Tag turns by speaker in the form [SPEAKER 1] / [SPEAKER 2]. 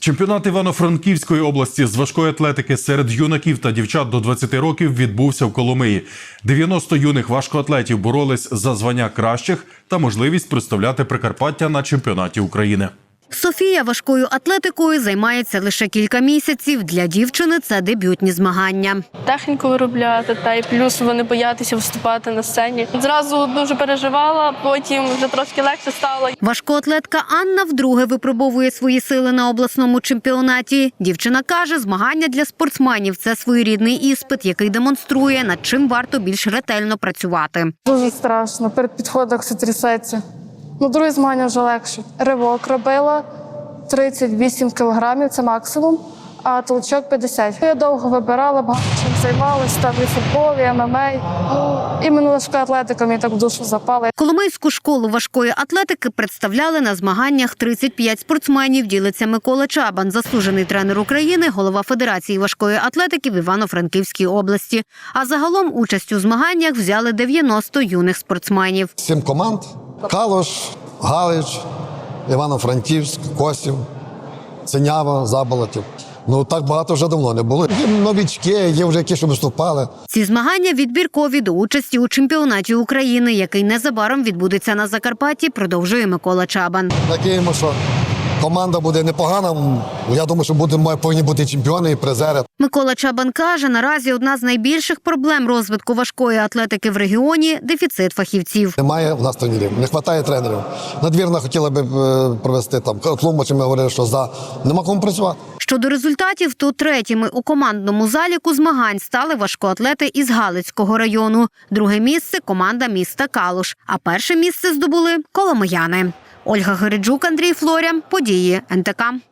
[SPEAKER 1] Чемпіонат Івано-Франківської області з важкої атлетики серед юнаків та дівчат до 20 років відбувся в Коломиї. 90 юних важкоатлетів боролись за звання кращих та можливість представляти Прикарпаття на чемпіонаті України.
[SPEAKER 2] Софія важкою атлетикою займається лише кілька місяців. Для дівчини це дебютні змагання.
[SPEAKER 3] Техніку виробляти, та й плюс вони боятися виступати на сцені. Зразу дуже переживала, потім вже трошки легше стало.
[SPEAKER 2] Важкоатлетка Анна вдруге випробовує свої сили на обласному чемпіонаті. Дівчина каже, змагання для спортсменів – це своєрідний іспит, який демонструє, над чим варто більш ретельно працювати.
[SPEAKER 4] Дуже страшно, перед підходом все трясеться. Другі змагання вже легше. Ривок робила 38 кілограмів, це максимум, а толчок 50. Я довго вибирала, багато чим займалася, там і футбол, і ММА. Іменно важка атлетика мені так в душу запала.
[SPEAKER 2] Коломийську школу важкої атлетики представляли на змаганнях 35 спортсменів, ділиться Микола Чабан, заслужений тренер України, голова Федерації важкої атлетики в Івано-Франківській області. А загалом участь у змаганнях взяли 90 юних спортсменів.
[SPEAKER 5] 7 команд – Калуш, Галич, Івано-Франківськ, Косів, Синява, Заболотів. Так багато вже давно не було. Є новічки, є вже які, що виступали.
[SPEAKER 2] Ці змагання відбіркові до участі у чемпіонаті України, який незабаром відбудеться на Закарпатті, продовжує Микола Чабан.
[SPEAKER 5] Надіємося, що команда буде непогана. Я думаю, що повинні бути чемпіони і призери.
[SPEAKER 2] Микола Чабан каже, наразі одна з найбільших проблем розвитку важкої атлетики в регіоні – дефіцит фахівців.
[SPEAKER 5] Немає в нас тренерів, не вистачає тренерів. Надвірна хотіла б провести Тлумачем, ми говорили, що нема кому працювати.
[SPEAKER 2] Щодо результатів, то третіми у командному заліку змагань стали важкоатлети із Галицького району. Друге місце – команда міста Калуш, а перше місце здобули коломияни. Ольга Гереджук, Андрій Флоря. Події НТК.